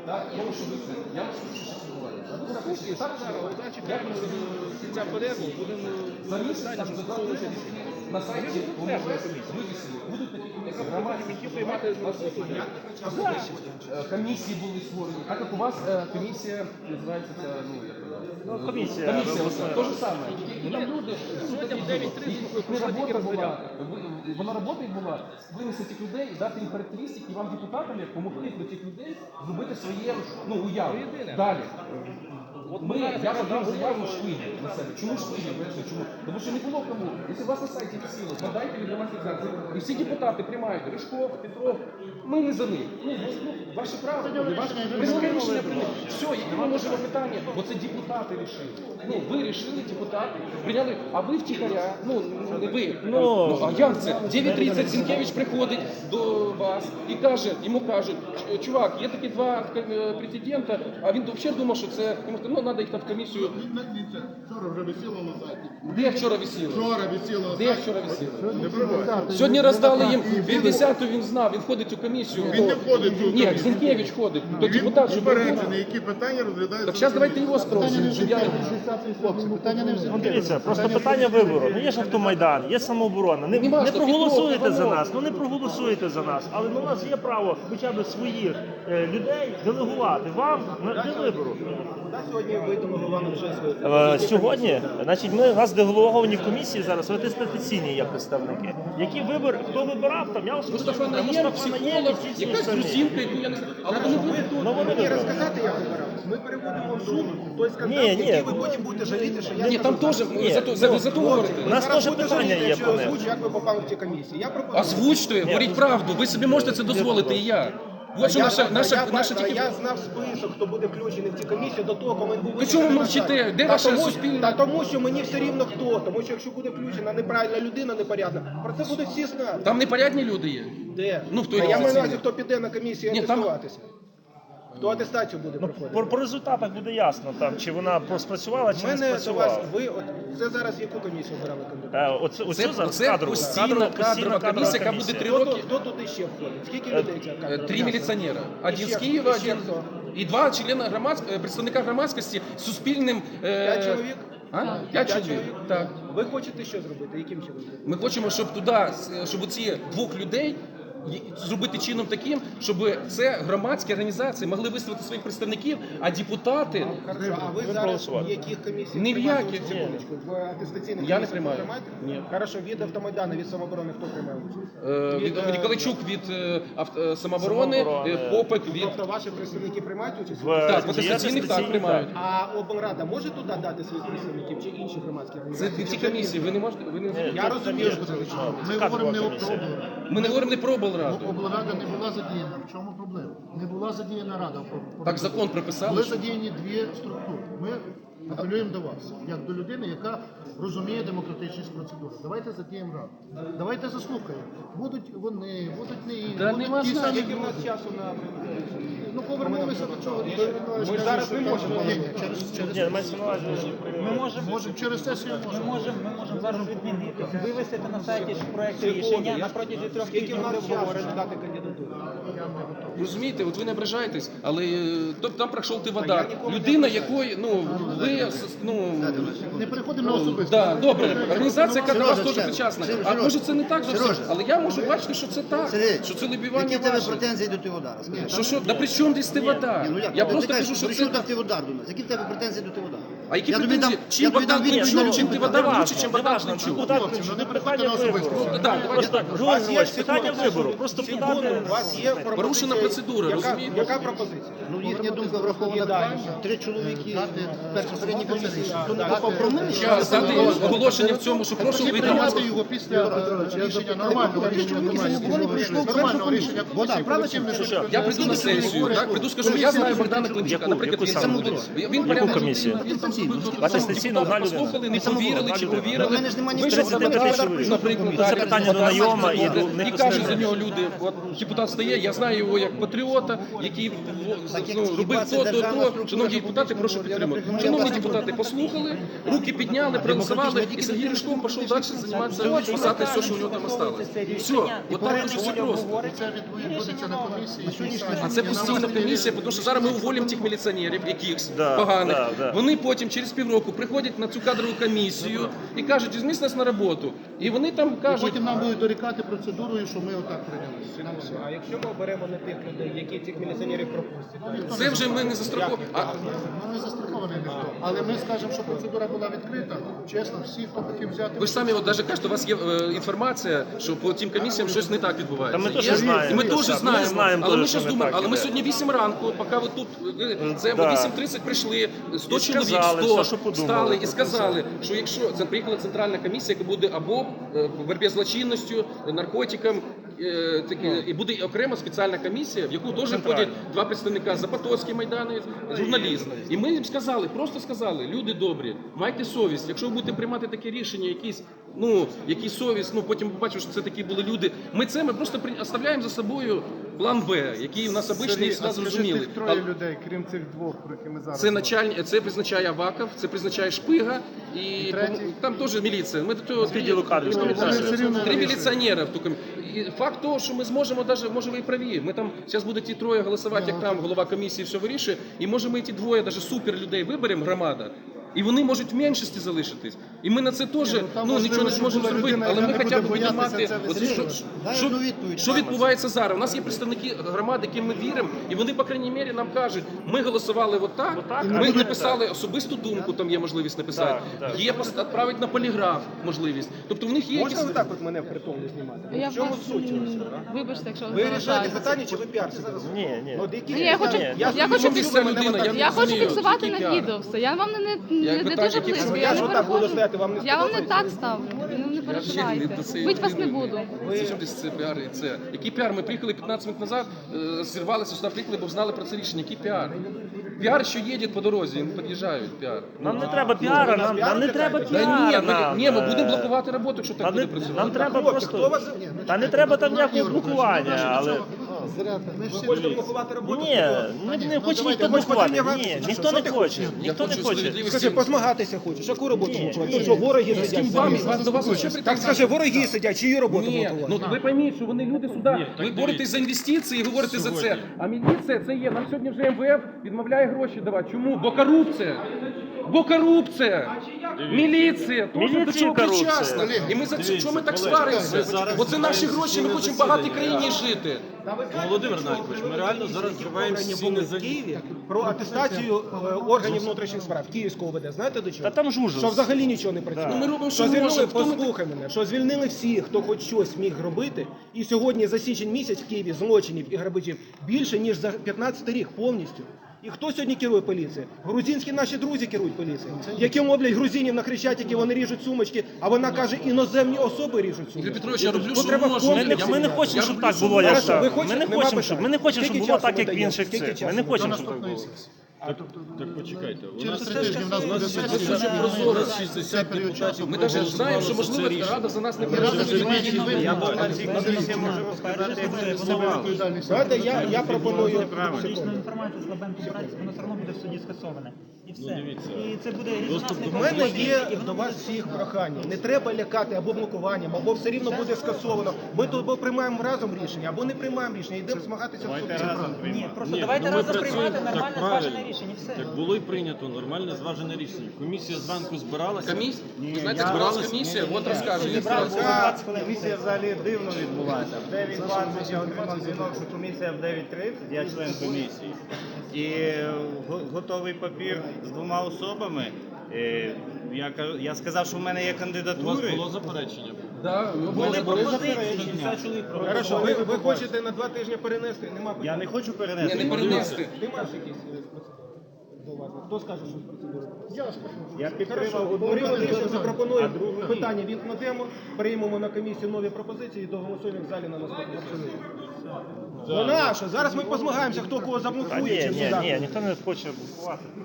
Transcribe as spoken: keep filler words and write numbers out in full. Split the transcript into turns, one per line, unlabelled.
Так, я можу вийти. Я можу скажу, що відбувається. А ви напишіть, так,
Значить, як ми кінця перерву будемо
за місяць там додати на сайті вивісили. Будуть такі комісії. Громадські
приймати
комісії були створені. Так як у вас е, комісія називається це, ну, як
Ну, комісія.
комісія, то же саме. І там люди,
Сьогодні в дев'ять тридцять
не робота була, вона робота була винести цих людей і дати їм характеристики, і вам депутатам як помогти до цих людей зробити своє, ну, уяву. Далі. От ми, я подав заяву швидко на себе. Чому швидко? Чому? Тому що не було кому. Якщо у вас на сайті висіло, подайте від громадських організацій. І всі депутати приймають. Ришков, Петров. Ми не за них. Ну, ну, ваше право. Ваше рішення прийняли. Все, які ми можемо питання? Бо це депутати рішили. Ну, ви рішили, депутати, прийняли, а ви втіхаря, ну, не ви.
Ну,
Ну, а як це? дев'ять тридцять Зінкевич приходить до вас і каже, йому кажуть, чувак, є такі два е, претендента, а він взагалі думав, що це, йому сказали, ну, треба їх там в комісію.
Вчора вже висіло на сайті.
Де вчора висіло?
Вчора висіло на
Де
сайті.
вчора висіло?
Не пробувай.
Сьогодні роздали їм п'ятдесяту, він знав, він входить у комісію.
Він не входить у
Ні,
комісію.
Зінкевич ходить, то
Він
депутат, щоб
упереджений, які питання розглядають.
Так зараз давайте його спросимо, щоб я...
Хлопці, питання не
Ну, дивіться, просто питання вибору. Ну є ж автомайдан, є самооборона. Не,
Нема
не
ж, то
проголосуєте
Петров,
за
Іванов.
нас, ну не проголосуєте за нас. Але ну, у нас є право хоча б своїх е, людей делегувати вам на для вибору.
Сьогодні ви делегували вже свої.
Е, сьогодні, значить, ми у нас делеговані в комісії зараз, атестаційні є представники. Які вибори, хто вибирав, там я особисто
Мустафа
Мустафа
Наєм,
Наєм,
психолог,
всі ці
якась
самі.
грузинка, яку я не знаю. Але вони будуть тут.
Ну, вони
Мені
вибрали.
розказати, як вибирав. Ми переводимо в Zoom той скандал,
Ні, ні.
який ви потім будете жаліти, що я
Ні, там теж,
Ні,
за то, за, за то говорите.
У нас
Зараз
теж
будете
питання
жаліти,
є
якщо
по
я
ним.
озвучу, як ви попали в ці комісії. Я пропоную.
Озвучте, говоріть правду, ви собі можете це дозволити, і я. От що
Я-
наша, наша,
я,
наша
я,
тільки...
я знав список, хто буде включений в ці комісії до того, коли він був
То чого ви
визначений на
мовчите?
сайті.
Де
Та
ваше
тому,
суспільне?
Та тому, що мені все рівно хто. Тому що якщо буде включена неправильна людина, непорядна, про це будуть всі знати.
Там непорядні люди є.
Де?
Ну, хто
Та я маю на
офіційний?
увазі, хто піде на комісію
Ні, там-
атестуватися. Хто атестацію буде
Ну,
проходити.
по, по результатах буде ясно, там, чи вона спрацювала,
У
чи не
мене до вас,
спрацювала.
ви, от, це зараз яку комісію обирали кандидата?
Е, оце, оцю
Це,
зараз
це
кадрову.
постійна
Кадрова-
кадрова
постійна
комісія, яка буде три
Хто,
роки.
тут- хто туди ще входить? Скільки людей ця
Е,
кадрова?
Три міліціонера. Один
ще
з
хто?
Києва,
І ще
один,
хто?
і два члени громадської, представника громадськості з суспільним... е,
П'ять чоловік?
А? П'ять
П'ять
чоловік,
чоловік?
так.
Ви хочете що зробити? Яким чином?
Ми хочемо, щоб туди, щоб ці двох людей й- зробити чином таким, щоб це громадські організації могли висловити своїх представників, а депутати...
Хорошо, а ви зараз
проголосувати.
в яких комісіях
Ні в
приймаєте
яких.
участь? Секундочку, в атестаційних
Я не
комісіях
приймаю.
приймаєте?
Ні.
Хорошо, від автомайдану, від самооборони хто приймає участь?
Е, Від,
Від, е,
Ніколайчук від е, авто- е, самооборони,
Самооборони.
е, Попик від...
Тобто ваші представники приймають участь?
В-
Так,
Є
атестаційних так
атестаційні,
приймають.
А облрада може туди дати своїх представників чи інші громадські
Це
організації?
ці комісії, ви не можете... Ви не...
Я розумію, що це
Це
лише.
Ми
кадрова
говоримо не
комісія.
про облраду.
Ми не говоримо не про облраду.
Облрада не була задіяна. В чому проблема? Не була задіяна рада.
Так закон прописали.
Були
що-
задіяні дві структури. Ми апелюємо до вас, як до людини, яка розуміє демократичність процедури. Давайте задіємо раду. Давайте заслухаємо. Будуть вони, будуть не інші.
Та
будуть
нема
ті
значення.
самі
Скільки в нас
люди.
часу на
Ну повернулися до чого.
Ми ж зараз не можемо.
Ні, ні, через, через
Ні, мається на увазі.
Ми можемо,
Можемо через сесію
ми
можемо.
можемо, ми можемо зараз відмінити. Вивести на сайті ж проект рішення на протязі трьох
Скільки
тижнів
в нас
буде
часу
обговорено.
дати кандидатуру?
Розумієте, от ви не ображаєтесь, але е, тобто там пройшов ти
я
вода.
ніколи не
Людина,
ображаюсь.
якої, ну, ви, с- ну,
Не переходимо на особисто.
да, добре, організація, яка до вас теж
Сережа,
причасна.
Сережа,
А може це не так зовсім,
Сережа.
але я можу бачити, що це так,
Сергій,
що це лобівання
які в тебе
ваше.
претензії до Тиводара? Скажи.
Що, що, да при чому десь ти вода?
Ні, ну як?
Я
Ти
просто
кажеш,
кажу, що
при
це...
чому там Тиводар до нас? Які в тебе претензії до Тиводара?
А які
Я тобі
претензії?
дам-
Чим
я тобі
Богдан
дам відповідь
Кличук,
на
чим
питання.
Тиводар
Неважно,
лучше, чим Богдан
неважно.
Кличук?
Богдан
Хлопці,
Кличук.
ну не
Питання
переходьте на
вибору.
особисто.
Да, давайте
Просто
так.
У вас
Георгій
є
Григорович, питання вибору. Просто
секунду,
питання...
у вас є пропозиція.
Порушена процедура,
Яка-
розумієте?
Яка пропозиція?
Ну, їхня думка врахована.
Далі.
Три чоловіки
Дати
в безпосередній комісії.
Да,
Хто не
дати-
попав про мене?
Час, дати оголошення в цьому, що прошу
Тоді
вийти.
прийняти його після е, рішення нормального рішення комісії. Нормального рішення комісії. Потім не
Що?
Я прийду на сесію, так, прийду, скажу, я знаю Богдана Климчука,
Яку?
наприклад,
Яку
він
саме?
буде. Він
Яку
порядок
комісію?
людина, він там зробив,
Атестаційна одна людина.
послухали, не повірили чи
У
повірили.
мене ж немає ні
Вийшов
тридцяти
депутат,
п'яти чоловік.
наприклад,
Це
так,
питання до
депутат,
найома і
і
до них
каже за
остальних.
нього люди, от депутат стає, я знаю його як патріота, який
Так, як
ну,
хіба
робив
це
то, то,
державна
то.
структура
Шановні депутати, прошу
публічного
підтримати.
я
Шановні
власне
депутати, послухали, руки підняли, проголосували, і Сергій Ришков пішов далі займатися, писати все, що у нього там осталось. Все, от так дуже все просто.
Це відбудеться на комісії.
А це постійна комісія, тому що зараз ми уволимо тих міліціонерів, якихось
Да,
поганих.
да, да.
Вони потім через півроку приходять на цю кадрову комісію і кажуть, візьміть нас на роботу. І вони там кажуть,
Потім нам будуть дорікати процедурою, що ми отак прийняли.
А якщо ми оберемо не тих людей, які цих міліціонерів пропустять?
це вже ми не застраховуємо. А
Ми не застраховані ніхто. Але ми скажемо, що процедура була відкрита. Чесно, всі, хто хотів взяти.
ви ж самі от навіть кажете, у вас є е, інформація, що по тим комісіям щось не так відбувається.
Та ми теж
Є?
знаємо.
І ми
Ми
теж
знаємо,
знаємо.
знаємо
Але ми
теж,
зараз
що не
думаємо,
так
але ми
іде.
сьогодні вісім ранку, поки ви тут, е, це
Да.
о вісім тридцять прийшли, сто
І
чоловік,
сказали
сто
все, що подумали.
стали і сказали, що якщо це приїхала центральна комісія, яка буде або е, по боротьбі з злочинністю, наркотикам, е, такі, і буде окрема спеціальна комісія, в яку теж входять два представника Запотоцький Майдан, журналіст. І ми їм сказали, просто сказали, люди добрі, майте совість, якщо ви будете приймати таке рішення, якісь, ну, якісь совість, ну потім побачимо, що це такі були люди. Ми це ми просто при- оставляємо за собою план Б, який у нас обичний і всегда зрозумілий.
Троє людей, крім цих двох, про які ми зараз.
Це начальник, це призначає Аваков, це призначає Шпига і
третій?
там теж міліція. Ми до цього
З відділу кадрів
Три-
міліція.
Вони все рівно
Три
вирішують.
міліціонера в ту комісію. І факт того, що ми зможемо, даже, може ви і праві. Ми там зараз будуть ті троє голосувати, як там голова комісії все вирішує. І може ми ті двоє, даже супер людей виберемо, громада. І вони можуть в меншості залишитись. І ми на це теж
ну,
ну,
там
нічого
можливо,
не
щоб
зможемо
була
зробити.
людина,
Але
яка
ми
не
хоча б
буде
будемо
боятися
мати.
це
От що,
висвітлювати.
Дай
що,
одну відповідь.
що відбувається зараз? У нас є представники громади, яким ми віримо, і вони, по крайній мірі, нам кажуть, ми голосували отак,
Отак, а
ми
буде
написали особисту думку, там є можливість написати,
Так, так.
є пост- відправити на поліграф можливість. Тобто в них є
Можна
якісь...
отак от мене в притул не знімати? Ну,
Я
в чому
вас,
суть?
м, вибачте, якщо
Ви рішаєте
заважаю.
питання, чи ви піарсите?
Ні, ні.
Ну, от які-
Ні, я хочу,
Ні,
я,
я
хочу,
хочу ця людина, я не
я хочу
розумію,
фіксувати
який
на
піар.
відео все. Я вам не, не,
Я
не, не
питаю,
дуже
які
близько,
це
я
Я
не
ж отак буду
переходжу.
стояти, вам не
Я вам не
сподобається?
так ставлю, ну, не
Я
переживайте.
взагалі до цієї
Бить вас не
людини.
буду.
Це що десь це піар і це. Який піар? Ми приїхали п'ятнадцять минут назад, е, зірвалися сюди, приїхали, бо знали про це рішення. Який піар? Піар, що їде по дорозі, не під'їжджають, піар.
Нам не треба піара, нам, нам не треба
Та
піара.
ні, ми,
нам,
ні, ми
е,
будемо блокувати роботу, якщо так
Нам,
буде
не,
працювати.
нам треба
Хлопці, хто
просто.
вас...
Та не треба там ніякого блокування, але.
Ви хочете блокувати роботу?
Ні, не, не хоче ніхто
ви ж
блокувати.
хочете
Ні,
мені
ніхто
що
не
ти
хоче.
Я
Ніхто не
хочу
хоче.
справедливості.
Скажи, позмагатися хочеш. Яку роботу
Ні,
блокувати?
ні.
Ну що, вороги
З ким
сидять?
вам, вас до вас взагалі
Так
претензій?
скажи, вороги сидять, чию роботу
Ні,
блокувати?
ну ви пойміть, що вони люди сюди, ви боретесь за інвестиції і говорите за це. А міліція це є. Нам сьогодні вже ем ве еф відмовляє гроші давати. Чому? Бо корупція. Бо корупція. Міліція. Теж до
Міліція
цього
корупція.
причасна. І ми за це, чому ми так сваримося? Бо це наші гроші, ми хочемо в багатій країні жити.
Володимир Навікович, ми реально зараз зриваємо стіни за
в Києві про атестацію е, органів внутрішніх справ Київського ОВД. Знаєте до чого?
Та там жужу.
Що взагалі нічого не працює.
Ну, ми робимо, що
що звільнили,
можемо. Хто ми-
послухай мене, що звільнили всіх, хто хоч щось міг робити. І сьогодні за січень місяць в Києві злочинів і грабежів більше, ніж за п'ятнадцятий рік повністю. І хто сьогодні керує поліцією? Грузинські наші друзі керують поліцією. Які мовлять грузинів на Хрещатикі, вони ріжуть сумочки, а вона каже, іноземні особи ріжуть
Ігор
сумочки.
Петрович, я роблю,
Ну,
що
треба
можу.
Ми не,
комплекси
ми не
міняти.
хочемо,
Я
щоб
роблю,
так
що
було, як
Хорошо,
так.
ви
Ми
хочете?
не
Нема
хочемо, щоб, ми не
питань.
хочемо, щоб
Скільки
було
часу
так,
ми
як в
даємо?
інших
Скільки
цих.
часу
Ми не
ми
хочемо,
До
щоб так
наступної
було.
сесії.
Так почекайте, у
Через
нас
три тижні в нас буде
Це
сесія.
дуже прозоро.
шістдесят депутатів
Ми навіть знаємо, що можливо Рада за нас не переживає.
Я був на цій комісії, можу розказати, як це існувало.
Знаєте, я, я пропоную
Публічну
секунду.
інформацію слабенько брати, воно все одно буде в суді скасоване. І все.
дивіться.
І це буде резонансний
У мене
конфлікт.
є до вас всіх прохання. Не треба лякати або блокуванням, або все рівно буде скасовано. Ми тут або приймаємо разом рішення, або не приймаємо рішення. Йдемо змагатися в суді.
Ні, просто
Ні,
давайте
ну ми
разом
працюємо
приймати
так
нормальне
правильно.
зважене рішення. і Все.
Так було і прийнято нормальне зважене рішення. Комісія зранку збиралася.
Комісія? Ви знаєте, збиралась комісія, от розкажу.
Комісія взагалі дивно відбулася. В дев'ять двадцять я отримав дзвінок, що комісія в дев'ять тридцять, я член комісії. І го- готовий папір з двома особами. Е, Я, кажу- я сказав, що в мене є
У вас
кандидатури.
було заперечення?
Да,
У мене були заперечення.
Хорошо, ви, ви хочете на два тижні перенести? Нема
Я
питань.
не хочу
Ні,
перенести.
не перенести.
Ти маєш якісь е, до вас? Хто скаже, що з процедури?
Я підтримав
Хорошо,
одну
Марина Андрійовна
кандидатуру,
запропонує
а другу ні.
питання вікнемо, приймемо на комісію нові пропозиції і доголосуємо в залі на наступному сесії. Вона що? Зараз ми позмагаємося, хто кого
Та
заблокує
ні,
чи
ні,
сюди.
ні, ніхто не хоче блокувати.